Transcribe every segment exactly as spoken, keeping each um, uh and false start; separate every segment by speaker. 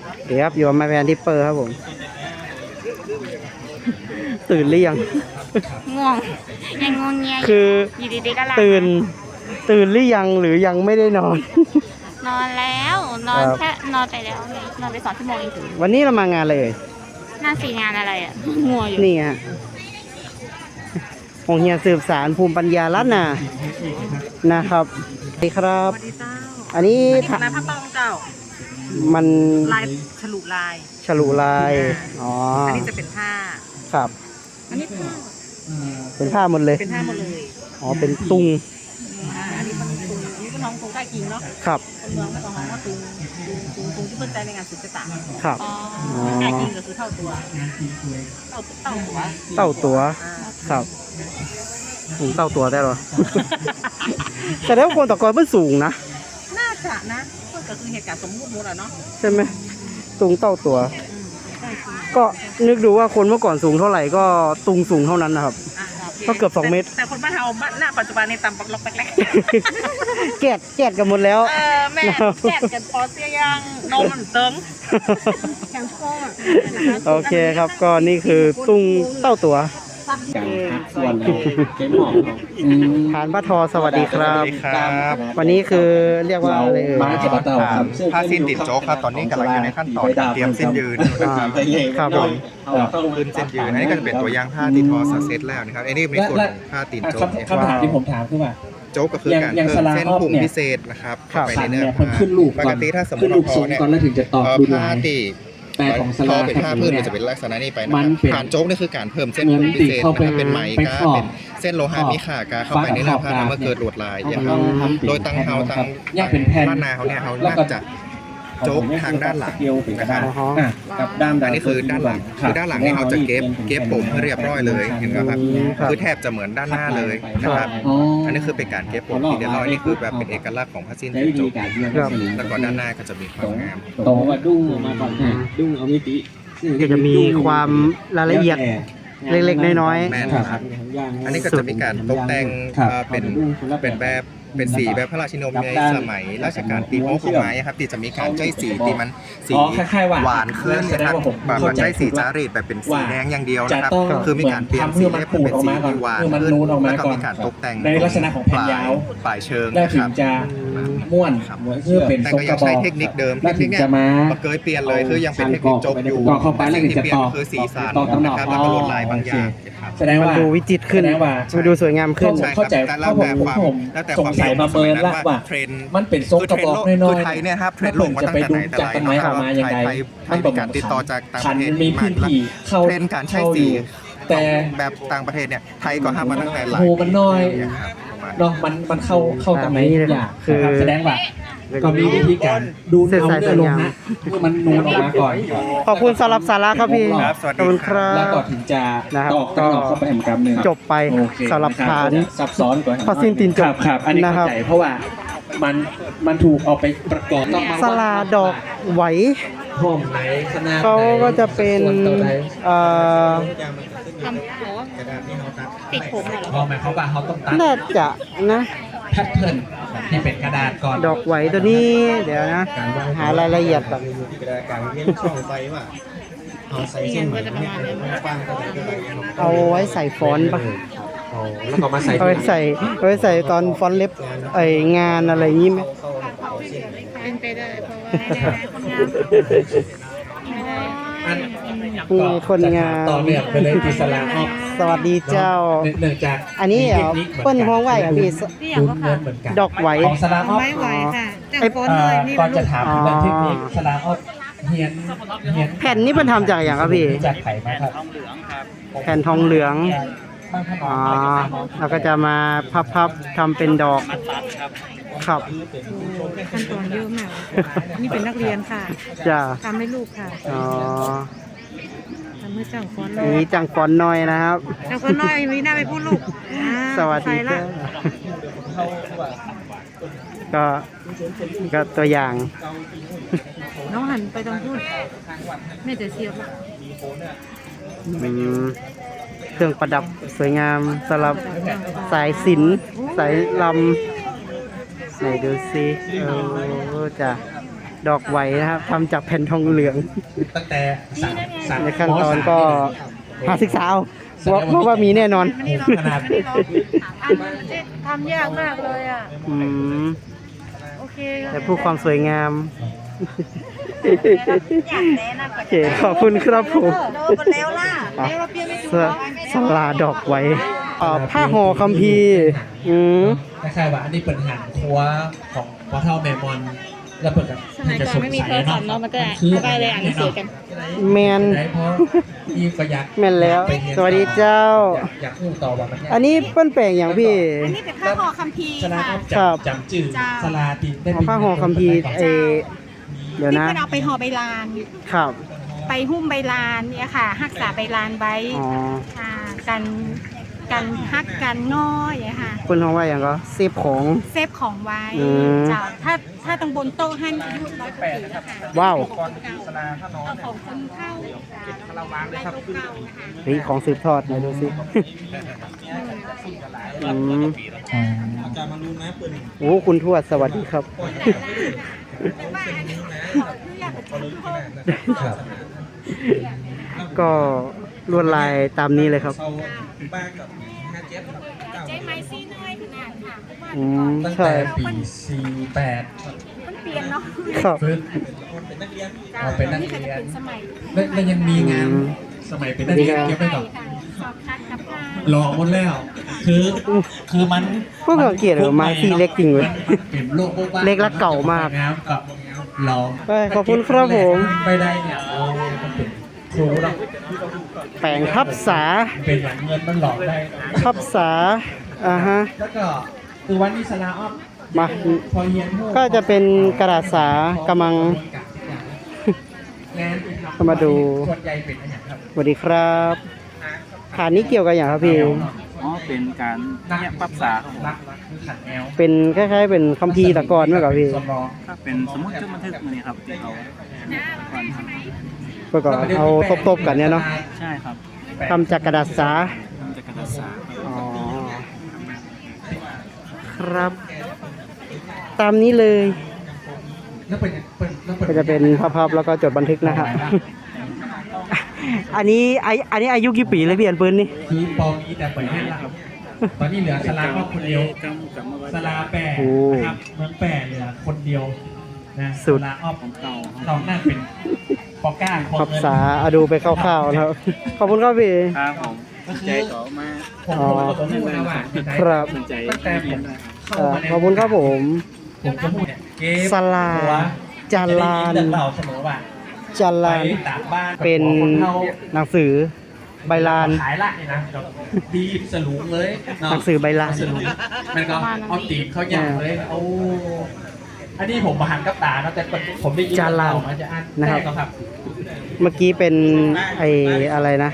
Speaker 1: เดี๋ยวครับอยู่มาแวนทิปเปอร์ครับผมตื่นหรือยัง
Speaker 2: ง่วงยังงงเงีย
Speaker 1: คือ
Speaker 2: อยู่ดีๆก็หลับ
Speaker 1: ตื่นตื่นหรือยังหรือยังไม่ได้นอน
Speaker 2: นอนแล้วนอนแค่นอนไปแล้วนอนไปสองชั่วโมงเองถึง
Speaker 1: วันนี้เรามางานเลย
Speaker 2: หน้าสี่งานอะไรอ่ะงัวอยู่
Speaker 1: นี่ฮะของเฮียสืบสารภูมิปัญญาล้านนานะครับสวัสดีครับอันนี้
Speaker 3: คณะพักต้องเจ้า
Speaker 1: มัน
Speaker 3: ลายฉลุลาย
Speaker 1: ฉลุลายอ๋อ
Speaker 3: อันนี้จะเป็นผ้า
Speaker 1: ครับ
Speaker 3: อันนี้ผ้า
Speaker 1: เป็นผ้าหมดเลย
Speaker 3: เป็นผ้าหมดเลย
Speaker 1: อ๋อเป็นตุง
Speaker 3: อันนี้มันตุงอันนี้เป็นน้องตุงใกล้กินเนาะ
Speaker 1: ครับ
Speaker 3: คนเมืองก็ต้องร้องว่าตุงตุงตุงที่เพิ่นใจในงานศิลปะ
Speaker 1: ครับ
Speaker 3: ใกล้กินก็คือเท่าตัวเท่าเท่าตัว
Speaker 1: เท่าตัวครับถุงเต้าตัวได้หรอ แต่แล้วคนตะกอนมันสูงนะ
Speaker 3: น่าจะนะก็คือเหตุการณ์สมมุติหมดอ่ะเนาะ
Speaker 1: ใช่ไหมตุงเต้าตัวก็นึกดูว่าคนเมื่อก่อนสูงเท่าไหร่ก็ตุงสูงเท่านั้นนะครับก็เกือบสองเมตร
Speaker 3: แต่คนบ้านเราบ้านหน้าปัจจุบันในต่ำปักล็อกแป๊ก
Speaker 1: แกะแกะกันหมดแล้ว
Speaker 3: เออแม่แกะกันพอเสียยังนมมันเติงแข็งคอ
Speaker 1: โอเคครับก็นี่คือตุงเต้าตัว
Speaker 4: ส่วนเกมหมอก
Speaker 1: ฐานพระทอสวัสดีครับวันนี้คือเรียกว่าอะไรเอ่ย
Speaker 5: ผ้าสิ้นติดโจ๊กครับตอนนี้กำลังอยู่ในขั้นตอนเตรียมเส้นยืนนะครับ
Speaker 1: ครับผม
Speaker 5: ขึ้นเส้นยืนอันนี้ก็จะเป็นตัวอย่างผ้าติดทอซาเซตแล้วนะครับอันนี้เป็นส่วนผ้าติดโจ๊ก
Speaker 4: คำถามที่ผมถามคือว่า
Speaker 5: โจ๊กก็คือการเพิ่มเส้นผุ่มพิเศษนะครับเข้าไปในเนื้อผ้าปกติถ้าสมมติเราพอเนี่ยผ้าติ
Speaker 4: แปลของสลา
Speaker 5: เป็นผ้าพื้นมันจะเป็นลักษณะนี้ไปนะครับผ่านโจ๊กนี่คือการเพิ่มเส้นพิเศษนะครับเป็นไหมกาเป็นเส้นโลหะมีขากาเข้าไปในเนื้อผ้าทำให้เกิดลวดลายนะครับโดยตั้งเฮาตั้งด้านหน้าเขาเนี่ยเขาน่าจะโจ๊กทางด้านหลังนะครับ
Speaker 4: กับด้าน
Speaker 5: อันนี้คือด้านหลังคือด้านหลังนี่เขาจะเก็บเก็บผมเรียบร้อยเลยเห็นไหมครับคือแทบจะเหมือนด้านหน้าเลยนะครับอันนี้คือเป็นการเก็บผมที่เรียบร้อยนี่คือแบบเป็นเอกลักษณ์ของผ้าสิ้นติดโจ๊กแล้วก็ด้านหน้าก็จะมีความงาม
Speaker 4: โตว่าดุ้งมาก่อนดุ้งเอามิติ
Speaker 1: ก็จะมีความรายละเอียดเล็กๆน้อย
Speaker 5: ๆอันนี้ก็จะมีการตกแต่งเป็นเป็นแบบเป็นสีแบบพระราชินีในสมัยรัชกาลที่หกของไม้ครับที่จะมีการใช้สีที่มันสีหวานขึ้นนะครับแบบใช้สีจารีตแบบเป็นสีแดงอย่างเดียวนะครับคือมีการเปลี่ยนสีให้เป็นสีหวานขึ้นแล้วก็มีการตกแต่ง
Speaker 4: ในลักษณะของแผ่นยาว
Speaker 5: ปลายเชิง
Speaker 4: นะครับจะม้วน
Speaker 5: เพื่อเป็นแต่ก็ยังใช้เทคนิคเดิมเทคนิคเนี้ยมาเกยเปลี่ยนเลยคือยังเป็นเทคนิคจบอยู่สิ่งที่เปลี่ยนคือสีสันนะครับแล้วก็ลวดลายบางอย่าง
Speaker 4: แสดงว่า
Speaker 1: ดูวิจิตรขึ้นดูสวยงามขึ้น
Speaker 4: เข้าใจ
Speaker 5: แล้วแต่ความแล้วแต่ความ
Speaker 4: ใส่มาเบิร์นละว่าเทรนมันเป็นทรงกระบอกน้อย
Speaker 5: ๆไทยเนี่ยครับเทรนโลกมาตั้งแต่ไหนแต่ไรนะครับไทยไทยไทยมีการติดต่อจากต่างประเทศ
Speaker 4: มีพื้นที่
Speaker 5: เข้าเทรนการใช้สีแต่แบบต่างประเทศเนี่ยไทยก็ทำมาตั้งแต่หลาย
Speaker 4: โหมันน้อยเนาะมันมันเข้าเข้าตรงไหนอย่างคือแสดงว่าก็มีวิธีการดูเนื้อเนื้อลงนะเมื่อมันนูนออกมาก่อน
Speaker 1: ขอบคุณสำหรับสาระครับพี่
Speaker 5: ขอบคุณ
Speaker 1: ครับ
Speaker 4: แล้วก็ถึงจะตอกตอกเข้าไปแหมกำหนึ่ง
Speaker 1: จบไปสำหรับฐาน
Speaker 4: ซับซ้อนกว่า
Speaker 1: พอสิ้นตินจบ
Speaker 4: ครับอันนี้เข้าใจเพราะว่ามันมันถูกเอาไปประกอบ
Speaker 1: สลาดอกไหว
Speaker 4: ห้องไหนขนาด
Speaker 1: เขาก็จะเป็นเอ่อ
Speaker 2: ทำโหติดผมเหรอ
Speaker 4: พอหมายเขาว่าเขาต้องตัด
Speaker 1: น่าจะนะ
Speaker 4: แพทเทิร์นที่เป็นกระดาษก่อน
Speaker 1: ดอกไหวตัวนี้เดี๋ยวนะหารายละเอียดแบบ
Speaker 5: การเลี้ยงช่องไฟว่า
Speaker 2: เอาใส่เส้นก็จะประมาณนี้
Speaker 1: เอาไว้ใส่ฟอนต์ป่ะ
Speaker 4: แล้วก็มาใส่
Speaker 1: เอาไว้ใส่เอาไว้ใส่ตอนฟอนต์เล็บไองานอะไรอย่างนี้ไหม
Speaker 2: เป็นไปได้เพราะว่า
Speaker 1: มีคนงาน
Speaker 4: ต่อเนื่องไปเลยที่สลาออก
Speaker 1: สวัสดีเจ้า
Speaker 4: เนื่องจาก
Speaker 1: อันนี้เหรอเปิ้ลห้องไหวอ่ะพี่ดอกไหว
Speaker 4: ของสลาออก
Speaker 2: ไม่ไหวค่ะ
Speaker 4: ไอ้ก่อนจะถามเรื่องเทคนิคสลาออกเฮียนเฮียน
Speaker 1: แผ่นนี้มันทำจากอย่างครับพี่
Speaker 4: จากไข่มาครับ
Speaker 1: แผ่นทองเหลืองอ๋อแล้วก็จะมาพับๆทำเป็นดอกครับ
Speaker 2: ขั้นตอนเยอะมากนี่เป็นนักเรียนค่ะ
Speaker 1: จ้า
Speaker 2: ทำให้ลูกค่ะ
Speaker 1: อ๋อ
Speaker 2: ทำให้จังฟอนน้อย
Speaker 1: นี่จังฟอนน้อยนะครับ
Speaker 2: จังฟอนน้อยมีหน้าไปพูดลูก
Speaker 1: สวัสดีค่ะก็ก็ตัวอย่าง
Speaker 2: น้องหันไปตรงพูดไม่แต่เสียบ
Speaker 1: เครื่องประดับสวยงามสำหรับสายศิลป์สายลำไหนดูซิเออจ้ะดอกไหวนะครับทำจากแผ่นทองเหลือง
Speaker 4: ตั้งแต่สามสาม
Speaker 1: ในขั้นตอนก็หาศึกษาเอาเพราะเพราะว่ามีแน่นอน
Speaker 4: ขนาด
Speaker 3: ทำยากมากเลยอ่ะ
Speaker 1: อืม
Speaker 3: โอเค
Speaker 1: แต่ผู้ความสวยงาม
Speaker 3: อยากแนะนำ
Speaker 1: โอเคขอบคุณครับผม
Speaker 3: โดนแล้วล่ะแล้วเราเปลี่ยนไม่ถูก
Speaker 1: สะสลาดอกไว้อ่าผ้าห่อคัมภีร์อืม
Speaker 4: คล้ายๆว่าอันนี้เป็นหันครัวของพ่อเท่าแม่มอนแล้วเปิดกับ
Speaker 2: สมัยก่อนไม่มีโทรศัพท์เนาะมันก็ก็เลยอ่านหนังสือกัน
Speaker 1: แมน
Speaker 4: ได้เพราะมีก็อยาก
Speaker 1: แมนแล้ว
Speaker 4: ไปเรียน
Speaker 1: สวัสดีเจ้า
Speaker 4: อยากอยากพูดต่อว่ามันยาก
Speaker 1: อันนี้เปิ้นแปลงอย่างพี่
Speaker 3: อันนี้เป็นผ้าห่อคัมภีร์
Speaker 4: สลา
Speaker 3: ค่ะ
Speaker 4: ครับจำจำจืดสลาตีได้
Speaker 1: ผ้าห่อคัมภีร์เออเดี๋ยว
Speaker 3: ที่
Speaker 1: นะ
Speaker 3: เป็นเอาไปห่อใบลาน
Speaker 1: ครับ
Speaker 3: ไปหุ้มใบลานเนี่ยค่ะรักษาใบลานไว้
Speaker 1: อ๋อ
Speaker 3: ค่ะกันกันฮักกันง้ออย่างเงี้ยค่ะ
Speaker 1: คุณเขาว่าอย่างก็เซฟของ
Speaker 3: เซฟของไว้
Speaker 1: อืม
Speaker 3: จ้ะถ้าถ้าตรงบนโต๊ะให้อายุร้อยปีนะคะ
Speaker 1: ว้าว
Speaker 3: เอาของคนเข้าเราวางเลยครับเก่าๆนะคะ
Speaker 1: เฮ้ยของสืบทอดไหนดูสิอืมโอ้คุณทวดสวัสดีครับ
Speaker 3: แต่ว่าอันนี้ขอคืออยากเป็น
Speaker 4: ครับ
Speaker 1: ก็ลวดลายตามนี้เลยครับ
Speaker 3: ใจไม้ซี่น้อยขนาดค่ะเพราะว่า
Speaker 1: อืม
Speaker 4: ตั้ง
Speaker 1: ใช่
Speaker 4: แต่ปีสี่แปด
Speaker 3: มันเปลี่ยนเนาะ
Speaker 1: ครับ
Speaker 4: ฝึกเอาเป็นนัก
Speaker 3: นี่ก็
Speaker 4: เรี
Speaker 3: จะ
Speaker 4: ยน
Speaker 3: เป็นสมัย
Speaker 4: แล้วแล้วยังมีงาน
Speaker 1: อืม
Speaker 4: สมัยเป็นนักเรียนเก็บไว้ก่อน
Speaker 3: ค่ะสอบคัดกับผ้า
Speaker 4: หลอกหมดแล้ว คือคือมัน
Speaker 1: พวกเราเกลียดเหรอไม้ที่เล็กจริงเว้ย
Speaker 4: มันเป็นโลกโบ๊ะบ้า
Speaker 1: เล็กและเก่ามาก
Speaker 4: งามกับหลอก
Speaker 1: เอ้ยขอบคุณครับผม
Speaker 4: ไปได้เนี่ยโอ้มันเป็นครูเนาะ
Speaker 1: แปลงทับษา
Speaker 4: เป็นอย่างเงินมันหลอกได้
Speaker 1: ทับษาอ่าฮะ
Speaker 4: แล้วก็คือวันนี้สลาออฟ
Speaker 1: มา
Speaker 4: พอเรียนพว
Speaker 1: ก็จะเป็นกระดาษสากำมัง
Speaker 4: งาน
Speaker 1: เข้ามาดู
Speaker 4: ส่วนใหญ่เป็นอะไรอย่างครับ
Speaker 1: สวัสดีครับขานี้เกี่ยวกับอย่างครับพี่
Speaker 6: อ๋อ เป็นการเนี่ยปรับษาครับผม
Speaker 4: รักรักคือขันแอล
Speaker 1: เป็นคล้ายๆ เป็นคัมภีร์ตะกอนไหมครับพี่
Speaker 4: สำรอง
Speaker 6: ถ้าเป็นสมมติจดบันทึกมาเนี่ยครับที่เขาก่อนครับ
Speaker 1: เพื่อก่อนเอาตบๆกันเนี่ยเนาะ
Speaker 6: ใช่ครับ
Speaker 1: ทำจากกระดาษสา
Speaker 6: ทำจากกระดาษสาครับ
Speaker 1: อ๋อ ครับ ตามนี้เลย
Speaker 4: แล้วเป็นเป็นแล้วเป็น
Speaker 1: ก็จะเป็นภาพๆแล้วก็จดบันทึกนะครับ อันนี้ไออันนี้อายุกี่ปีเลยพี่อันปืนนี่
Speaker 4: คือปอมีแต่เปิดให้ละครับตอนนี้เหลือสลาก็คนเดียว
Speaker 6: กำกับมาไว้
Speaker 4: สลาแปะ
Speaker 1: โอ้
Speaker 4: นะครับเมืองแปะเหลือคนเดียวนะ
Speaker 1: สุด
Speaker 4: สลาออฟ
Speaker 6: ของเก่าครับ
Speaker 4: ตอนนั้นเป็นปอก้าของ
Speaker 1: พับ
Speaker 4: เงิน
Speaker 1: ษาอะดูไปคร่าวๆนะครับ ขอบคุณครับพี่
Speaker 6: ครับผม
Speaker 4: ก็คือ
Speaker 6: ใจเขามา
Speaker 4: ผมผมก็ต้องพูดนะว่า
Speaker 1: ครับ
Speaker 6: สนใจ
Speaker 4: ตั้งแต่ผมเข้า
Speaker 1: อ่า
Speaker 4: มาใน
Speaker 1: ขอบคุณครับผม
Speaker 4: ผมจะพูดเนี่ยเกม
Speaker 1: สลา
Speaker 4: หัว
Speaker 1: จาลาน
Speaker 4: จะได้ยิเรื่องเราเสมอว่า
Speaker 1: จา
Speaker 4: ไป
Speaker 1: ลาน
Speaker 4: ต่างบ้าน
Speaker 1: เป็น
Speaker 4: คนเฒ่า
Speaker 1: หนังสือใบลาน
Speaker 4: ขายละนี่นะดีบสลุงเลยเนาะ
Speaker 1: หนังสือใบลาน
Speaker 4: สลุงมันก็เอาตีบเขาอย่างเลยโอ้อันนี้ผมมาหันกับตาเนาะแต่ผมได้ยิน
Speaker 1: จาลาน
Speaker 4: มันจะอ่าน
Speaker 1: นะครับ
Speaker 4: แก็ครับ
Speaker 1: เมื่อกี้เป็นไออะไรนะ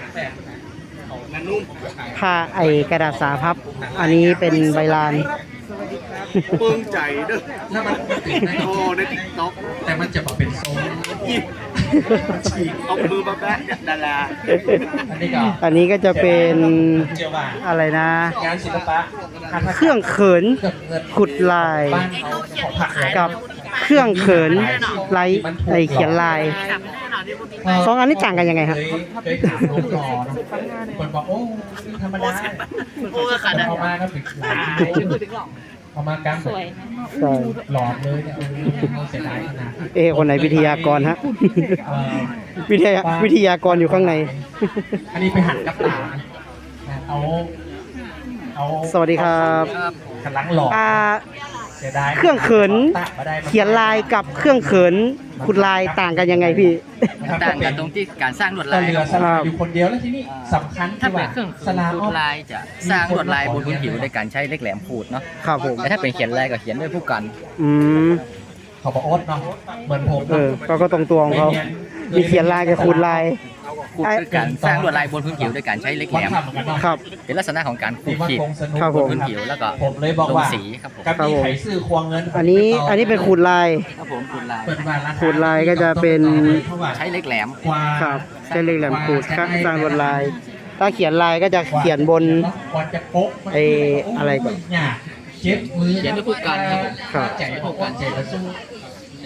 Speaker 1: ผ้าไอกระดาษสาพับ อันนี้เป็นใบลาน
Speaker 6: ปึ้งใจเด้อ
Speaker 4: แล้วมันติดใน
Speaker 6: โอ้ในติ๊กต็อก
Speaker 4: แต่มันจะบอกเป็นทรง
Speaker 6: ฉีกเอามือมาแบะดารา
Speaker 4: อันนี้ก็
Speaker 1: อันนี้ก็จะเป็น
Speaker 4: เจียวว่า
Speaker 1: อะไรนะ
Speaker 4: งานศิลปะ
Speaker 1: เครื่องเขิน
Speaker 4: เครื่องเงิน
Speaker 1: ขุดลาย
Speaker 4: บ้านเขาของผักเลย
Speaker 1: กับเครื่องเขินไลท์ไอเขียนลายสองอันนี้ต่างกันยังไงครับ
Speaker 4: เคยเคยถามน้องหล่อเนอะคนบอกโอ้ธรรมดาโอ้ขาดเอามาก็ถึงหลายเอามากาง
Speaker 2: สวย
Speaker 1: ใช่
Speaker 4: หลอดเลยเนี่ยโอ้เสียดายขนาด
Speaker 1: เอะคนไหนวิทยากรฮะ
Speaker 4: เอ่อ
Speaker 1: วิทยาวิทยากรอยู่ข้างใน
Speaker 4: อันนี้ไปหันกับตานะเอาเอา
Speaker 1: สวัสดีครับ
Speaker 4: ขันหลังหลอด
Speaker 1: อ่า
Speaker 4: เสียดาย
Speaker 1: เครื่องเขิน
Speaker 4: ตัดมาได้
Speaker 1: เขียนลายกับเครื่องเขินขุดลายต่างกันยังไงพี่
Speaker 7: ต่างกันตรงที่การสร้างลวด
Speaker 4: ก็
Speaker 7: ลาย
Speaker 4: เหลื
Speaker 7: ค
Speaker 4: อ
Speaker 7: รับ
Speaker 4: สลาอยู่คนเดียวแล้วทีนี้สำคัญ
Speaker 7: ถ้า
Speaker 4: ที่
Speaker 7: เป็
Speaker 4: ว่าน
Speaker 7: เครื่อง
Speaker 4: สลา
Speaker 7: ล
Speaker 4: ออ
Speaker 7: ว
Speaker 4: ฟ
Speaker 7: ดลายจะสร้างลวดลายบนพื้นผิวด้วยการใช้เหล็กแหลมขูดเนาะ
Speaker 1: ครับผม
Speaker 7: แต่ถ้าเป็นเขียนลายก็เขียนด้วยผู้กัน
Speaker 1: อืม
Speaker 4: เขาบอกโอ๊ตเนาะเหมือนผม
Speaker 1: เออก็ก็ตรงตัวของเขามีเขียนลายกับขุดลาย
Speaker 7: ขูดคือการสร้างลวดลายบนพื้นผิวด้วยการใช้เหล็กแห
Speaker 4: วั
Speaker 7: ล
Speaker 4: น
Speaker 7: ม
Speaker 4: ทำเหมือนกันเนาะ
Speaker 1: ครับ
Speaker 7: เป็นลักษณะของการขู
Speaker 4: ที่
Speaker 7: ด
Speaker 4: ว่า
Speaker 7: ขีด
Speaker 4: คงสนุก
Speaker 1: ครับ
Speaker 7: บนพื้นผิวแล้วก็
Speaker 4: ผมเลยบอก
Speaker 7: ลง
Speaker 4: ว่า
Speaker 7: สีครับผม
Speaker 4: กับมีไขซื้อควงเงิน
Speaker 1: อันนี้อันนี้เป็นขุดลาย
Speaker 7: ครับผมขูดลาย
Speaker 4: เปิดว่าราคา
Speaker 1: ขูดลายก็จะเป็น
Speaker 7: ใช้เหล็กแหลม
Speaker 4: กว่า
Speaker 1: ครับใช้เหล็กแหลมขูดครับสร้างลวดลาย ถ้าเขียนลายก็จะเขียนบน
Speaker 4: กว่าจะโป๊ะ
Speaker 1: ไอ้อะไรก่อน
Speaker 4: เนี่ยเจ็บมือ
Speaker 7: เขียนด้วยผู้กันครับผม
Speaker 1: ครับ
Speaker 4: ใจผู้กันใจกระสู้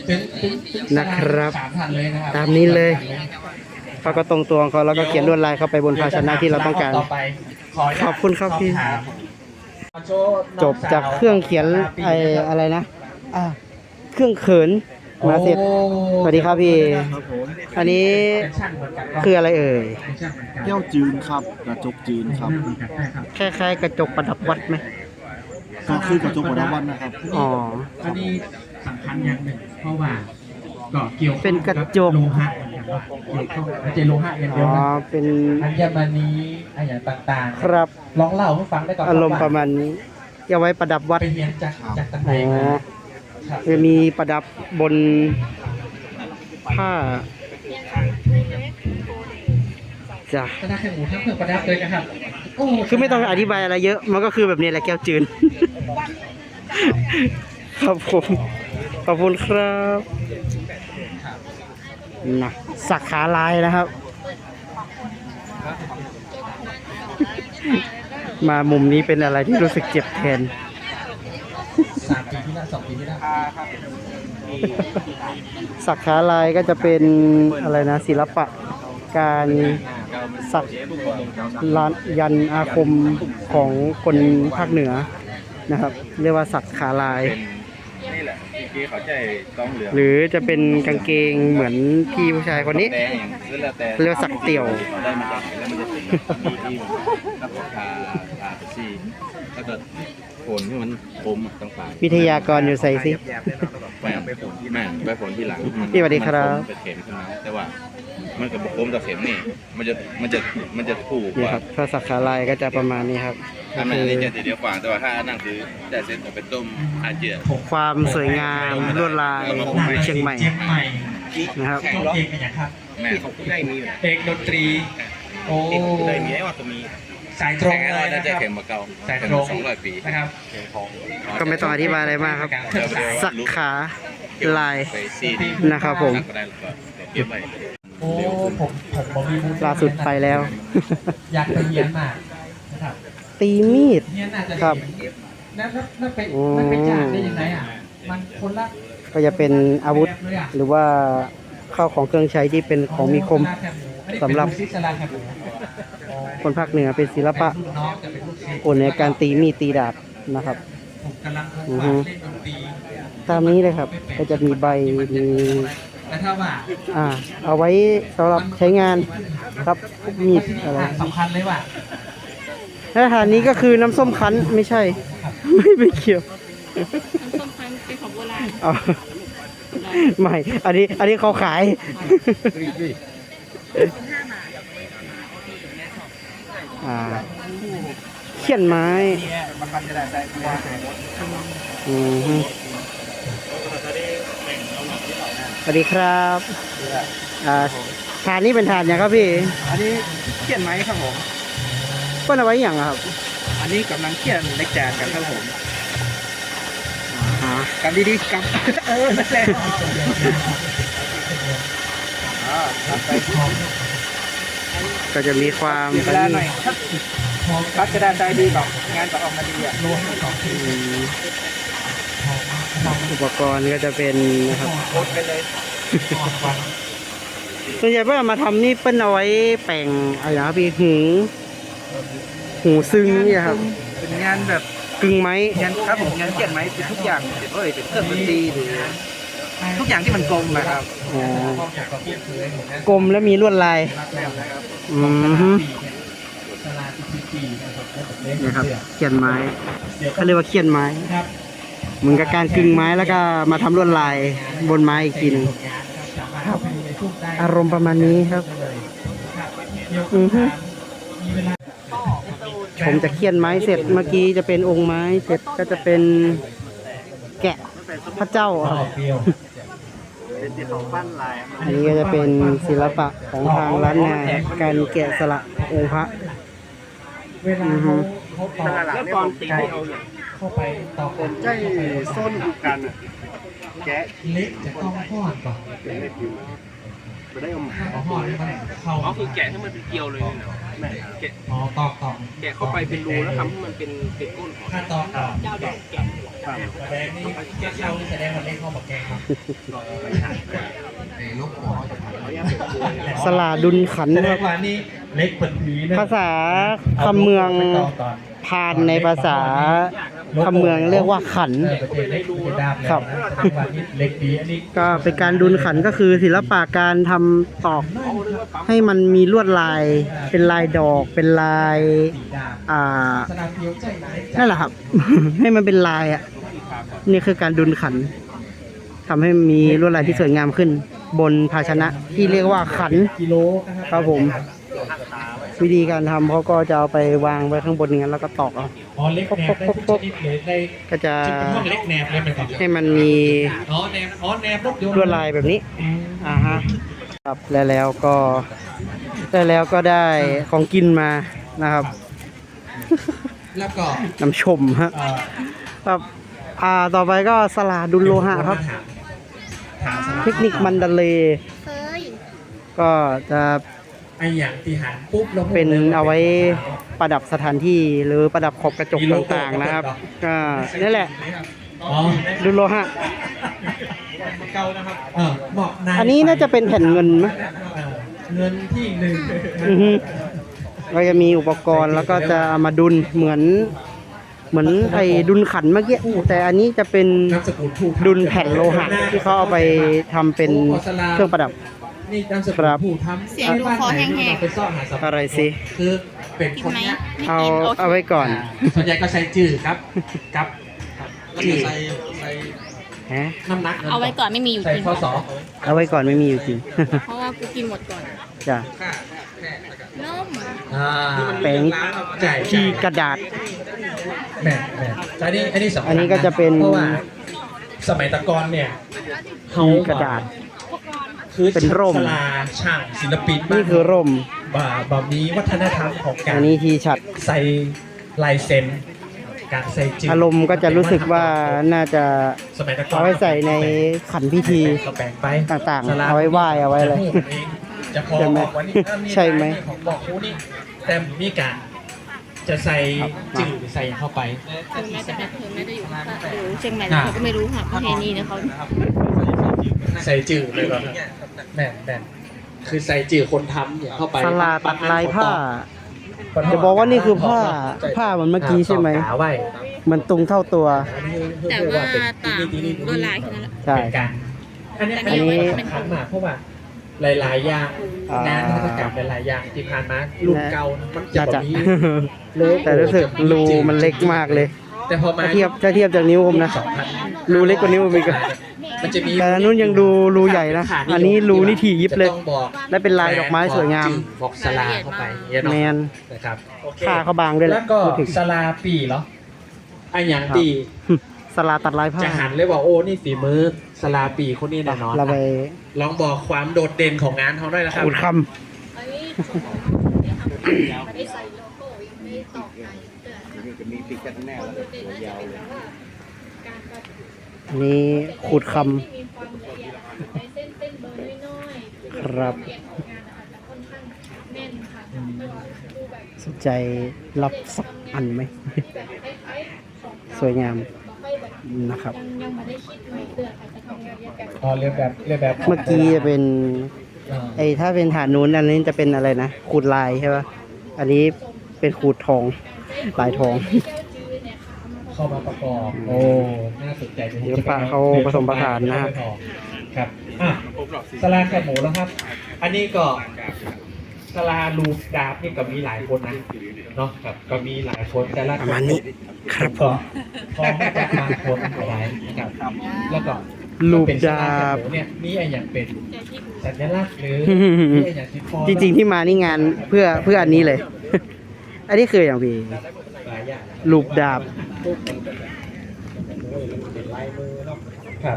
Speaker 4: เป็นเป็นเป็น
Speaker 1: นะครับ
Speaker 4: สามพันเลยนะครับ
Speaker 1: ตามนี้เลย เขาก็ตรงตัวของเขาแล้วก็เขียนลวดลายเข้าไปบนภาชนะที่เราต้องการ
Speaker 4: ต่อไปขออนุญาต
Speaker 1: ขอบคุณครับพี่
Speaker 4: สอถามโชว์น้
Speaker 1: จ
Speaker 4: อง
Speaker 1: บ
Speaker 4: สว
Speaker 1: จากเครื่องเขียนไออะไรนะอ่าเครื่องเขินมาเสร็จ
Speaker 4: โอ้
Speaker 1: สวัสดีครับพี่ อันนี้
Speaker 4: เป็นช่างเหมือนกัน
Speaker 1: คืออะไรเอ่ย
Speaker 4: เป็นช่างเหมือนกัน
Speaker 6: แก้วจืนครับกระจกจืนครับ
Speaker 1: คล้ายๆกระจกประดับวัดไหม
Speaker 6: ก็คือกระจกหัวดาวันนะครับ
Speaker 1: อ๋อ
Speaker 4: อันนี้สำคัญอย่างหนึ่งเพราะว่าก็เกี่ยวข้อง
Speaker 1: เป็นกระจก
Speaker 4: โลหะเหมือนกันว่าเกี่ยวข้องไม่ใช่โลหะอย่างเดี
Speaker 1: อ๋
Speaker 4: ยว
Speaker 1: อ
Speaker 4: นะ
Speaker 1: เป็น
Speaker 4: อัญมณีอะไรอย่างต่างๆ
Speaker 1: ครับ
Speaker 4: ลองเล่าให้ฟังได้ก่อน
Speaker 1: อารมณ์ประมาณนี้เอาไว้ประดับวัด
Speaker 4: ไปเรียนจากจากตำแห
Speaker 1: อ๋
Speaker 4: น่ง
Speaker 1: อ
Speaker 4: มาครับ
Speaker 1: จะมีประดับบนผ้าจ้ะ
Speaker 4: ก็ได้แค่หมูทั้งเครื่องประดับเลยนะครับโอ้
Speaker 1: คือไม่ต้องอธิบายอะไรเยอะ มันก็คือแบบนี้แหละแก้วจืน ครับผมขอบคุณครับนะสักขาลายนะครับ มามุมนี้เป็นอะไรที่รู้สึกเจ็บแทน
Speaker 4: สามปีที่แล้วสองปีที่แล้ว
Speaker 1: สักขาลายก็จะเป็นอะไรนะศิลปะการสักลานยันอาคมของคนภาคเหนือนะครับ เรียกว่าสักขาลาย
Speaker 8: นี่แหละเมื่อกี้เขาใจต้องเหลือง
Speaker 1: หรือจะเป็นกางเกงเหมือนพี่ผู้ชายคนนี้
Speaker 8: แดงอย่างนั้นแล้วแต่
Speaker 1: เรียกว่าสักเตี่ยว
Speaker 8: ได้มาจากไหนแล้วมันจะเป็นมีที่มันรับทาทาไปซี่ถ้าเกิดผลที่มันคมอะต้องไป
Speaker 1: วิทยากรอยู่ใส่สิ
Speaker 8: ไปเอาไปผลที่แม่ไปผลที่หลังมัน
Speaker 1: พี่สวัสดีครับ
Speaker 8: มันมไปเข็มขึ้นมาแต่ว่ามันกับคมกับเข็มนี่มันจะมันจะมันจะถูกก
Speaker 1: นี่
Speaker 8: ว่า
Speaker 1: ครับถ้าสักขาลายก็จะประมาณนี้ครับ
Speaker 8: ถ้า
Speaker 1: ก็
Speaker 8: มัน
Speaker 1: คื
Speaker 8: อัน
Speaker 1: อ
Speaker 8: นี้จะเดียวกว่าแต่ว่าถ้าอันนั่งคือได้เส้นเอาไปต้มอาเจีย
Speaker 1: ความสวยงามลวดลายของเชียงใหม่
Speaker 4: เชียงใหม่
Speaker 1: นะครับ
Speaker 4: ตัวเอกเป็นอย่างครับ
Speaker 8: แม่เขาได้มีอยู่นะ
Speaker 4: เอกดนตรี โอ้
Speaker 8: เอกได้มีไอ้ว่าตัวมี
Speaker 4: สายตรง
Speaker 8: แข่ง
Speaker 4: เล
Speaker 8: ร้อย
Speaker 4: ย
Speaker 8: น่า
Speaker 4: นะ
Speaker 8: จะ
Speaker 4: ครับ
Speaker 8: เข็มมาเก่า
Speaker 4: สาย
Speaker 8: เข็
Speaker 4: ต
Speaker 8: ม
Speaker 4: รง
Speaker 8: สองร้อยปี
Speaker 4: นะครับ
Speaker 1: ก็ไม่ต้องอธิบายอะไรมากครับ สักขาลาย
Speaker 8: ไปซีดี
Speaker 1: นะครับผม
Speaker 8: ก็ได้แล้วก็เก็บไว้
Speaker 4: โอ้ผมผมผมมีบุญ
Speaker 1: ล่าสุดไปแล้ว
Speaker 4: อยากไปเรียนมานะครับ
Speaker 1: ตีมีด
Speaker 4: เนี่ยน่าจะ
Speaker 1: ครับ
Speaker 4: เห็นแล้วแล้วแล้วไป
Speaker 1: โอ้
Speaker 4: มันไปจ่ายได้ยังไงอ่ะ มันคนละ
Speaker 1: ก็จะเป็นอาวุธ
Speaker 4: แบบเลยอ่ะ
Speaker 1: หรือว่าข้าวของเครื่องใช้ที่เป็นของมีคม สำหรับ
Speaker 4: ซิสลาแคบหมู
Speaker 1: คนภาคเหนือเป็นศิลปะ
Speaker 4: เป็นรุ่นน้องแต่เป็นลูกศิษย์
Speaker 1: โอนในการตีมีดตีดาบนะครับ
Speaker 4: ผมกำลัง
Speaker 1: อือ
Speaker 4: วา
Speaker 1: ฮึ
Speaker 4: ดเล่นดนตรี
Speaker 1: ตามนี้เลยครับ ก็จะมีใบมี
Speaker 4: แต่ถ้าว่า
Speaker 1: อ่า เอาไว้สำหรับใช้งานครับพวกมีดอะไร
Speaker 4: สำคัญเลยว่า
Speaker 1: อาหารนี้ก็คือน้ำส้มคั้นไม่ใช่ ไม่ไปเกี่ยว
Speaker 2: ส้มพันธุ์เป็นของโบราณ
Speaker 1: เอาไม่ อันนี้ อันนี้เขาขาย อ่า เขียนไม้อืมฮึสวัสดีครับ อ่าฐานนี้เป็นฐานอย่างครับพี่
Speaker 6: อันนี้เขียนไหมครับผม
Speaker 1: เปิ้นเอาไว้อย่างอะครับ
Speaker 6: อันนี้กำลังเขียนเล็กแจกกันครับผม
Speaker 1: อ่า
Speaker 6: กันดีๆกับ เออนั่นแหละอ่าตัดไป
Speaker 1: ก็จะมีความ
Speaker 6: เสียเวลาหน่อยครับคัดกระดานใจดีก่อนงานจะออกมาดีอ่ะ
Speaker 1: อืมอุปกรณ์ก็จะเป็นนะครับ
Speaker 6: โคตรไปเลย
Speaker 1: ส่วนใหญ่เพื่อนเอามาทำนี่เปิ้นเอาไว้แปลงอะไรนะครับพี่หูหูซึ้งเนี่ยครับ
Speaker 6: เป็นงานแบบ
Speaker 1: กึ่งไม้
Speaker 6: งานครับผมงานเขียนไหมเป็นทุกอย่างเอ้ยเป็นเครื่องดนตรีหรือทุกอย่างที่มันกลมนะครับ
Speaker 1: อ๋อกลมแล้วมีลวดลาย อืมฮึนะครับเขียนไม้เขาเรียกว่าเขียนไม้เหมือนกับการกึ่งไม้แล้วก็มาทำลวดลายบนไม้อีกทีหนึงครับ อารมณ์ประมาณนี้ครับ อือฮึผมจะเขียนไม้เสร็จเมื่อกี้จะเป็นองค์ไม้เสร็จก็จะเป็นแกะพระเจ้าครับ อันนี้ก็จะเป็นศิลปะของทางล้านนาการแกะสลักองค์พระ
Speaker 4: เวลา
Speaker 1: อือฮึ
Speaker 4: เขาเขาต่อ
Speaker 6: แล้วตอนตีเอาเนี่ย
Speaker 4: เข้าไปต่อ
Speaker 6: ผมใจส้นกันอ่ะแกะ
Speaker 4: เล็กจะต้องทอดก่อน
Speaker 6: ไปได้เอามา
Speaker 4: เอาทอดมันเข้า
Speaker 6: อ๋อคือแกะให้มันเป็นเกลียวเลยเนาะแม่แกะ
Speaker 4: อ๋อตอกตอก
Speaker 6: แกะเข้าไปเป็นรูแล้วทำให้มันเป็นเป็นก้นหอย
Speaker 4: ถ้าตอกตอก
Speaker 6: แกะ
Speaker 4: แดงนี่แก้วนี่แสดงว่าเล็กเข้ามาแกงครับ
Speaker 1: สลาดุลขัน
Speaker 4: แส
Speaker 1: ธ์
Speaker 4: ด
Speaker 1: ครั
Speaker 4: ง
Speaker 1: บ
Speaker 4: ว่านี่เล็กเปิดผีนะ
Speaker 1: ภาษาคำเมืองพานในภาษาคำเมืองเรียกว่าขัน
Speaker 4: เออประเทศเล็กเป็นดาบเลย
Speaker 1: ครับ
Speaker 4: นะปัจจุบันนี้เล็กดีอันนี้
Speaker 1: ก็เป็นการดุลขันก็คือศิลปะการทำตอกให้มันมีลวดลาย เป็นลายดอก เป็นลาย
Speaker 4: สีดาบ
Speaker 1: อ่า
Speaker 4: สนามเดียวใจไหน
Speaker 1: นั่นแหละครับ ให้มันเป็นลายอ่ะ นี่คือการดุลขันทำให้มีลวดลายที่สวยงามขึ้น บนภาชนะที่เรียกว่าขัน
Speaker 4: กิโล
Speaker 1: ครับผม วิธีการทำเขาก็จะเอาไปวางไว้ข้างบนอย่างนั้นแล้วก็ตอกเอา
Speaker 4: อ๋อเล็กแนบได้ทุกชนิดเลยได้
Speaker 1: ก็จะ
Speaker 4: จุดเป็นห้องเล็กแนบเลยมันก่อน
Speaker 1: ให้มันมี
Speaker 4: อ๋อแนบอ๋อแนบปุ๊บโยน
Speaker 1: ลวดลายแบบนี้ อ่าฮะ ครับแล้วแล้วก็ได้แล้วก็ได้ของกินมานะครับ
Speaker 4: แล้วก็
Speaker 1: น้ำชมฮะ
Speaker 4: เอ่อ
Speaker 1: ครับอ่าต่อไปก็สลาดุลโลหะครับ
Speaker 4: ถามสำหรับ
Speaker 1: เทคนิคมันดาเลย์
Speaker 2: เคย
Speaker 1: ก็จะ
Speaker 4: ไออย่างที่หันปุ๊บแล้ว
Speaker 1: เป็นเอาไว้ประดับสถานที่หรือประดับขอบกระจกต่างๆนะครับ ก็นั่นแหละ
Speaker 4: อ๋อ
Speaker 1: ดุลโลหะ
Speaker 4: เก่านะครับเออเหมาะใน
Speaker 1: อันนี้น่าจะเป็นแผ่นเงินไหม
Speaker 4: เออเงินที่หนึ่ง
Speaker 1: อือฮึก็จะมีอุปกรณ์แล้วก็จะเอามาดุลเหมือน เหมือนไอ้ดุลขันเมื่อกี้แต่อันนี้จะเป็น
Speaker 4: นามสกุลผู้ทำ
Speaker 1: ดุลแผ่นโลหะที่เขาเอาไปทำเป็นเครื่องประดับ
Speaker 4: นี่นามสกุ
Speaker 1: ค
Speaker 4: ล
Speaker 1: รับ
Speaker 4: ผู้ทำ
Speaker 2: เสียงดูคอแห้งๆ
Speaker 4: บ้านไหนไปซ่อนหาสมบัติ
Speaker 1: อะไรสิ
Speaker 4: คือเป็น
Speaker 2: กิ
Speaker 4: คน น
Speaker 2: ไหม
Speaker 4: เนี้ย
Speaker 2: ไม่
Speaker 1: เอา
Speaker 2: กินโอเค
Speaker 1: เอาไว้ก่อน
Speaker 4: ส่วนใหญ่ก็ใช้จืดครับกับจืด
Speaker 1: ฮะ
Speaker 4: น้ำหนัก
Speaker 2: เอาไว้ก่อนไม่มีอยู่
Speaker 4: ใส่
Speaker 2: จริง
Speaker 4: ข้อสอ
Speaker 1: เอาไว้ก่อนไม่มีอยู่จริง
Speaker 2: เพราะว่ากูกินหมดก่อน
Speaker 1: จ้ะ
Speaker 2: นุ่ม
Speaker 4: อ่า
Speaker 1: แป้ง
Speaker 4: ใช่
Speaker 1: ที่กระดาษ
Speaker 4: แม่แม่อันนี้อันนี้สำคัญ
Speaker 1: อันนี้ก็จะเป็น
Speaker 4: เพราะว่าสมัยตะกอนเนี่ยเขา
Speaker 1: ที่กระดาษ
Speaker 4: คือ
Speaker 1: เป็นร่ม
Speaker 4: สลาช่างศิลปิน
Speaker 1: นี่คือร่ม
Speaker 4: บ่าบ่ามีวัฒนธรรมของกา
Speaker 1: อั
Speaker 4: ร
Speaker 1: นนี้ทีฉัด
Speaker 4: ใส่ลายเซ็นการใส่จืด
Speaker 1: อารมณ์ก็จะรู้สึกว่าน่าจะ
Speaker 4: สมัยตะกอน
Speaker 1: เอาไว้ใส่ในขันพิธี
Speaker 4: ก็แบ่งไป
Speaker 1: ต่างๆ
Speaker 4: สล
Speaker 1: เอาไว้ไหว้เอาไว้อะไร
Speaker 4: จะพอ
Speaker 1: ใช่ไหม
Speaker 4: บอกวันนี้เออมี
Speaker 1: ใช่ไหม
Speaker 4: ลายของบอกคูนี่แต่มีการจะใส่จืดใส่เข้าไป
Speaker 2: ถึงแม้จะแบบถึงแม้จะอยู่ภาคอยู่เชียงใหม่แต่เขาก็ไม่รู้ค่ะประเพณีเนี่ยเขา
Speaker 4: ใส่จืดเลยก่อนแม่นแม่นคือใส่จืดคนทำเนี่ยเข้าไป
Speaker 1: สลาตัดลายผ้า จะบอกว่านี่คือผ้าผ้าเหมือนเมื่อกี้ใช่ไหม
Speaker 4: ต่อขาไว้
Speaker 1: มันตุงเท่าตัว
Speaker 2: แต่ว่าต่างลวดลายแค่นั้นแหละ
Speaker 1: ใช่
Speaker 4: เป็นการอันเนี้ย
Speaker 2: แต่
Speaker 4: อัน
Speaker 2: นี่
Speaker 4: นี้
Speaker 2: เป็น
Speaker 4: สำคัญมากเพราะว่าหลายๆอย่าง
Speaker 1: อ่าง
Speaker 4: งานกิจกรรมหลายๆอย่างที่ผ่านมารุ่นเก่ามันจะ
Speaker 1: น่า
Speaker 4: แบ
Speaker 1: จะ
Speaker 4: บนี้
Speaker 1: แต่รู้สึกรูมันเล็กมากเลย
Speaker 4: แต่พอมา
Speaker 1: ถ้าเทียบถ้าเทียบจากนิ้วผมนะ
Speaker 4: สองพัน
Speaker 1: รูเล็กกว่านิ้วผมอีกอะ
Speaker 4: มันจะมี
Speaker 1: แต่อันนู้นยังดูรูใหญ่นะ อันนี้รูนี่ถี่ยิบเลย
Speaker 4: จะต้องบอก
Speaker 1: และเป็นลายดอกไม้สวยงาม
Speaker 4: บอกสลาเข้าไปเนี่ยเนาะ
Speaker 1: แมน
Speaker 4: นะครับโอเค
Speaker 1: ผ้าเขาบางด้วยแห
Speaker 4: แล้
Speaker 1: ละ
Speaker 4: วก็
Speaker 1: พูดถึง
Speaker 4: สลาปีเหรอไอ้อย่างตี
Speaker 1: สลาตัดลายผ้า
Speaker 4: จะหันเลยว่าโอ้นี่ฝีมือสลาปีคนนี้แน่นอน
Speaker 1: เราไป
Speaker 4: ลองบอกความโดดเด่นของงานเขาด้วยนะครับ
Speaker 1: อุดคำอันนี้ขูดคำครับสนใจรับสักอันไหม สวยงามนะครับ
Speaker 4: อ๋อเรียนแบบเรียนแบบ
Speaker 1: เมื่อกี้จะเป็น
Speaker 4: อ่า
Speaker 1: ไอ้ถ้าเป็นฐานนู้นอันนี้จะเป็นอะไรนะขูดลายใช่ป่ะอันนี้เป็นขูดทองลายทอง
Speaker 4: เข้ามาประกอบโอ้น่าสนใจจริงๆ
Speaker 1: ศิลปะเขาผสมผสานนะครับ
Speaker 4: ครับอ่ะสลาแคบหมูแล้วครับ อันนี้ก็สลาลูกดาบนี่ก็มีหลายคนนะเนาะครับก็มีหลายคนแต่ละ
Speaker 1: ประมาณนี้ครับผม
Speaker 4: พอมาจากบางคนหลายนะครับแล้วก็
Speaker 1: ลูก
Speaker 4: เป็นสล
Speaker 1: ดาบ
Speaker 4: แคหมูเนี่ยมีอะไรอย่างเป็นสัญลักษณ์หรือมีอะไรอย่างที่พอ
Speaker 1: จริงๆที่มานี่งานเพื่อเพื่ออันนี้เลย อันนี้คืออย่างพี่
Speaker 4: หลายอย่าง
Speaker 1: ลูกดาบ
Speaker 4: ครับ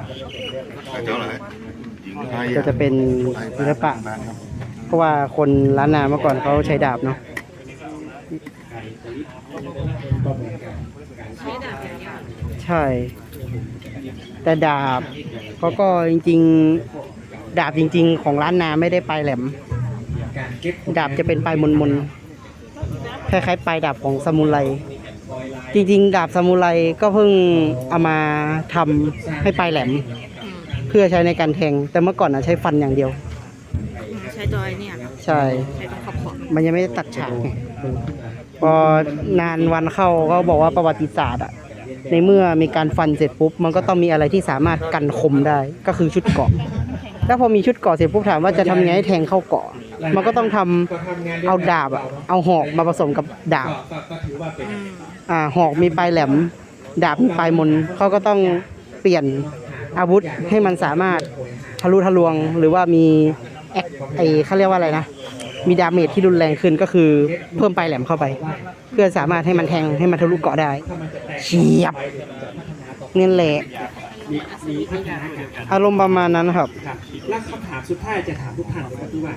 Speaker 1: ก็จะเป็นศิลปะ เพราะว่าคนล้านนาเมื่อก่อนเขาใช้ดาบเนาะใช่ แต่ดาบเขาก็จริงๆ ดาบจริง ๆ ของล้านนาไม่ได้ปลายแหลม
Speaker 4: การเก็บ
Speaker 1: ดาบจะเป็นปลายมนๆคล้ายๆปลายดาบของซามูไรจริงๆดาบซามูไรก็เพิ่งเอามาทำให้ปลายแหลม เพื่อใช้ในการแทง แต่เมื่อก่อนนะใช้ฟันอย่างเดียว
Speaker 3: ใช้ตัวไอ้เนี่ย
Speaker 1: ใช่
Speaker 3: ใช้ตัวขอบขอบ
Speaker 1: มันยังไม่ได้ตัดฉากไงพอนานวันเข้าก็บอกว่าประวัติศาสตร์อะในเมื่อมีการฟันเสร็จปุ๊บ มันก็ต้องมีอะไรที่สามารถกันคมได้ ก็คือชุดเกราะแล้วพอมีชุดเกราะเสร็จปุ๊บถามว่าจะทำไงให้แทงเข้าเกราะ มันก็ต้องทำเอาดาบอะเอาหอกมาผสมกับดาบ
Speaker 4: ก็ถือว่าเป็น
Speaker 1: อ่าหอกมีปลายแหลม ดาบมีปลายมนเขาก็ต้องเปลี่ยนอาวุธให้มันสามารถทะลุทะลวง หรือว่ามีแอคไอเขาเรียกว่าอะไรนะ มีดาเมจที่รุนแรงขึ้นก็คือเพิ่มปลายแหลมเข้าไป เพื่อสามารถให้มันแทงให้มันทะลุเกาะได้เฉียบนี่แหละอารมณ์ประมาณนั้นครับ
Speaker 4: ครับและคำถามสุดท้ายจะถามทุกท่านก็คือว่า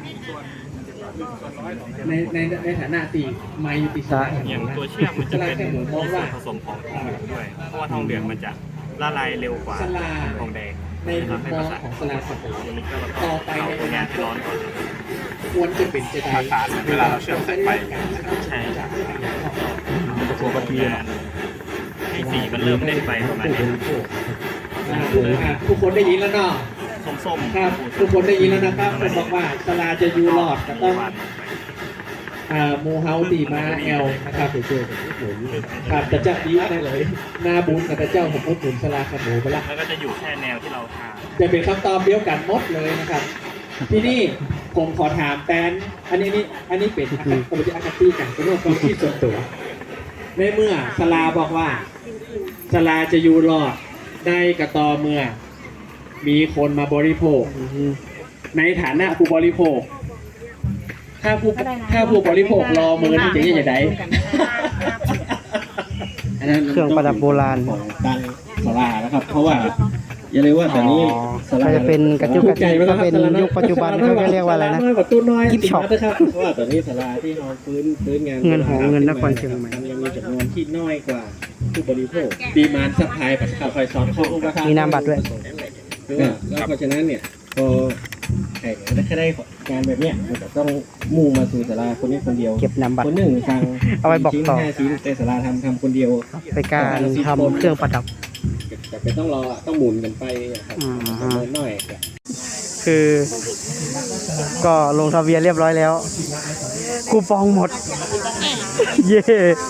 Speaker 4: ในในในฐานะตีไมยุติสา
Speaker 9: อย่างตัวเชื่อมมันจะเป็น
Speaker 4: แค่หมูมองว่า
Speaker 9: ผสมของทองเหลืองด้วย เพราะว่าทองเหลืองมันจะละลายเร็วกว่า
Speaker 4: สลา
Speaker 9: ทองแดง
Speaker 4: ในมุมมองของสลาสัตว์ต่อไปในอ
Speaker 9: เอา
Speaker 4: นา
Speaker 9: งาน
Speaker 4: ค
Speaker 9: ที่ร้อน
Speaker 4: ต
Speaker 9: ก่อน
Speaker 4: ควรจะเป็นจะได้
Speaker 8: เวลาเราเชื่อมสายไฟ
Speaker 9: ใช่ครับปกติให้สีมันเริ่มเล่นไปประมาณนี้
Speaker 4: อ่าอ่าทุกคนได้ยินแล้วเนาะ
Speaker 9: ส้มๆ
Speaker 4: ครับทุกคนได้ยินแล้วนะครับผมบอกว่าสลาจะยูรอดก็ต้องอ่าโมเฮาตีมาแอลนะครับครับแต่เจ้าดีได้เลยหน้าบุญกับเจ้าผมพูดถึงสลาขมูไปละ
Speaker 9: แล้วก็จะอยู่แค่แนวที่เราทา
Speaker 4: จะเป็นคำตอบเดียวกันหมดเลยนะครับ ที่นี่ผมขอถามแตนอันนี้นี่อันนี้เป็นผมจะอคติกันเป็นเรื่องความคิดส่วนตัวในเมื่อสลาบอกว่าสลาจะอยู่รอดได้กระตอเมื่อ มีคนมาบริโภค ในฐานะผู้บริโภค ถ้าผู้ถ้าผู้บริโภครอมือนี่จะยังไง
Speaker 1: เครื่องประดับโบราณ
Speaker 8: ตั้งสลานะครับ เพราะว่าอย่าลืมว่าแต่นี้
Speaker 1: ก็จะเป็นกระจุกกระจิกก็เป็นยุคปัจจุบันเขาเรียกว่าอะไรนะ กิฟต์ช็อป
Speaker 8: เพราะว่าตอนนี้สลาที่เราฟื้นฟื้นงาน
Speaker 1: เงินหอเงินนครเชียงใหม่
Speaker 8: ยังมีจำนวนที่น้อยกว่าผู้บริโภค
Speaker 4: ดีมานซัพพลายประชาคอยสอนข้ออุปทาน
Speaker 1: มีนามบัตรด้วย
Speaker 8: เนี่ยแล้วเพราะฉะนั้นเนี่ยพอแข่งได้แค่ได้งานแบบเนี้ยมันก็ต้องมุ่งมาสู่สาราคนนี้คนเดียว
Speaker 1: เก็บนามบัตร
Speaker 8: คนหนึ่งฟัง
Speaker 1: เอาไว้บอกต่อ
Speaker 8: ชิ้นห้าชิ้นแต่สาราทำทำคนเดียว
Speaker 1: ไปการทำเครื่องประดับ
Speaker 8: แต่เป็นต้องรอต้องหมุนกันไปครับ
Speaker 1: อ่าฮะ
Speaker 8: ประเมินหน่อยครับ
Speaker 1: คือ ก็ลงทะเบียนเรียบร้อยแล้ว คูปองหมด เย่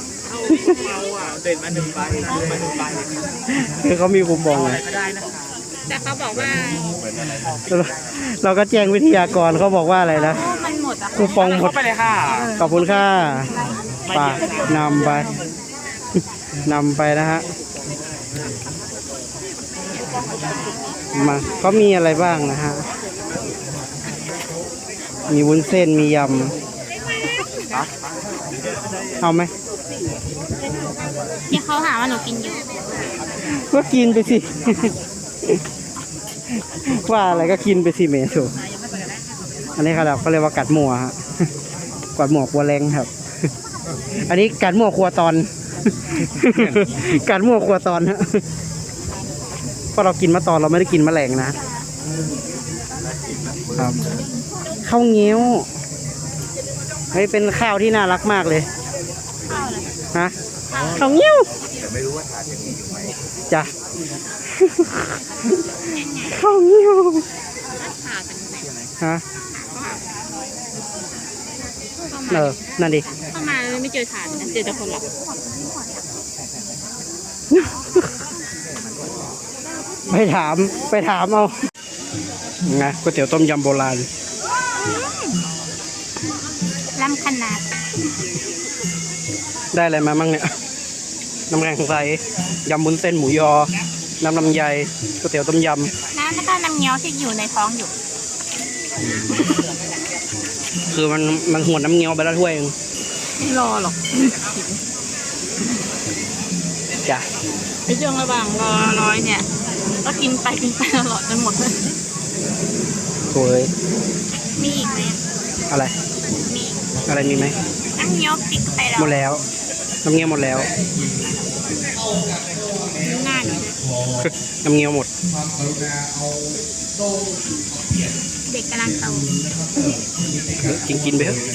Speaker 1: คือเขามีคูปองไง
Speaker 3: แต่เขาบอกว่า
Speaker 1: เราก็แจ้งวิทยากรเขาบอกว่าอะไรนะ
Speaker 3: มันหมดอ่ะ
Speaker 1: คูปองหมด
Speaker 3: ไปเลยค่ะ
Speaker 1: ขอบคุณค่ะปากนำไป นำไปนะฮะ มาก็มีอะไรบ้างนะฮะ มีวุ้นเส้น มียำ เอาไหม
Speaker 2: ที่เขาหาว่าหนูกินอยู่
Speaker 1: ก็กินไปสิ ว่าอะไรก็กินไปสิเมถูกอันนี้ครับเขาเรียกว่ากัดหมัวฮะ กัดหมัวครัวแรงครับ อันนี้กัดหมัวครัวตอน กัดหมัวครัวตอนฮะเพราะเรากินมาตอนเราไม่ได้กินแมลงนะครับข้าวเงี้ยวเฮ้ยเป็นข้าวที่น่ารักมากเลยฮะข้าวเงี้ยวแต่ไม่รู้ว่าทานยังมีอยู่ไหมจ้ะ ข้าวเงี้ยวฮะเออนั่นดิ
Speaker 2: เข้ามาไม่เจอฐานนะเจอแต่คนหลับ
Speaker 1: ไปถามไปถามเอาไงก๋วยเตี๋ยวต้มยำโบราณ
Speaker 2: ล้ำขนาด
Speaker 1: ได้อะไรมามั่งเนี่ย น้ำแกงใสยำบุ้นเส้นหมูยอ น้ำลำไยก๋วยเตี๋ยวต้มย
Speaker 2: น้ำแล้วก็น้ำเงี้ยวที่อยู่ในท้องอยู่
Speaker 1: ำคือมันมันหวนน้ำเงี้ยวไปแล้วถ้วยเอง
Speaker 3: ไม่รอหรอก
Speaker 1: จ้ะ
Speaker 3: ในช่วงระหว่างรอร้อยเนี่ย ก็กินไปกินไปตลอดจนหมดเลย
Speaker 1: โถ่เอ้ย
Speaker 2: มีอีกไหม
Speaker 1: อะไร
Speaker 2: มี
Speaker 1: อะไรมีไหม
Speaker 2: น้ำเงี้ยวพริกไปแล้ว
Speaker 1: หมดแล้ว น้ำเงี้ยวหมดแล้ว
Speaker 2: หน้าหนู
Speaker 1: น้ำเงี้ยวหมด
Speaker 2: เด็กกำลังโต
Speaker 1: กินกินไปเถอะ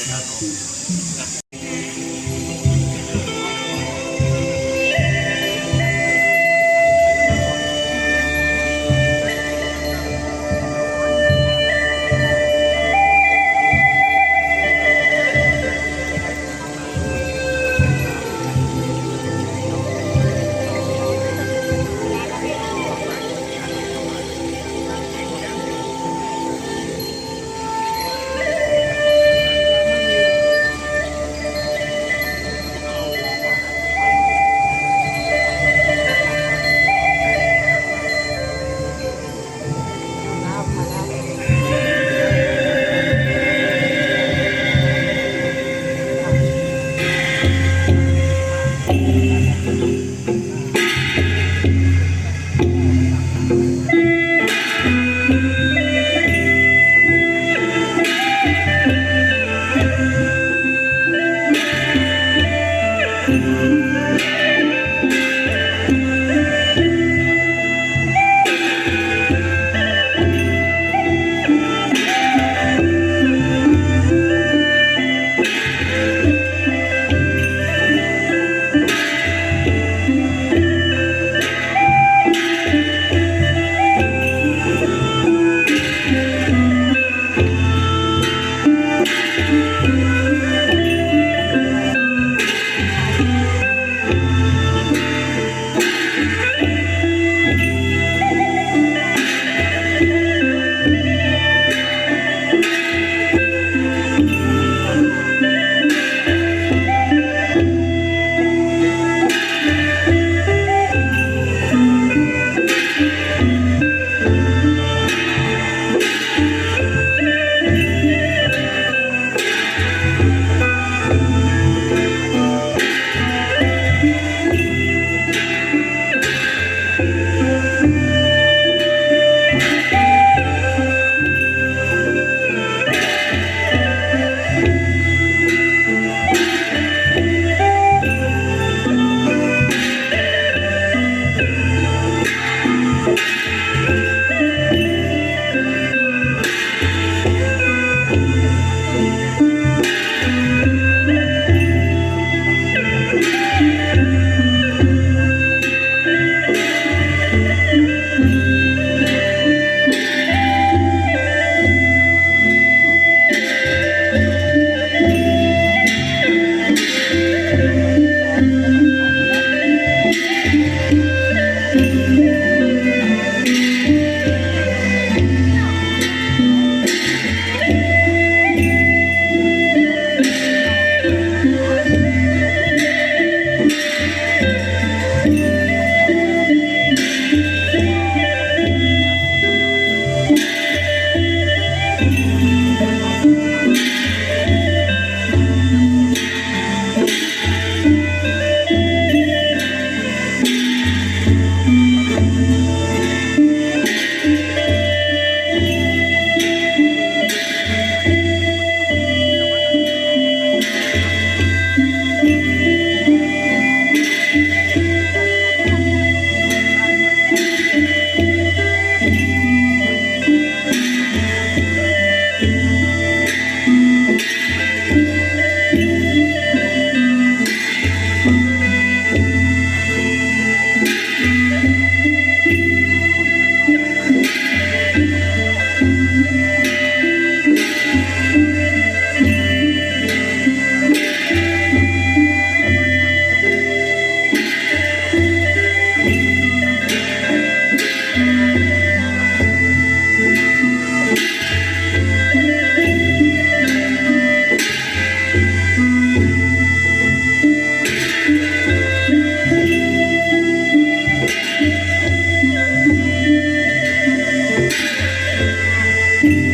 Speaker 4: ครับ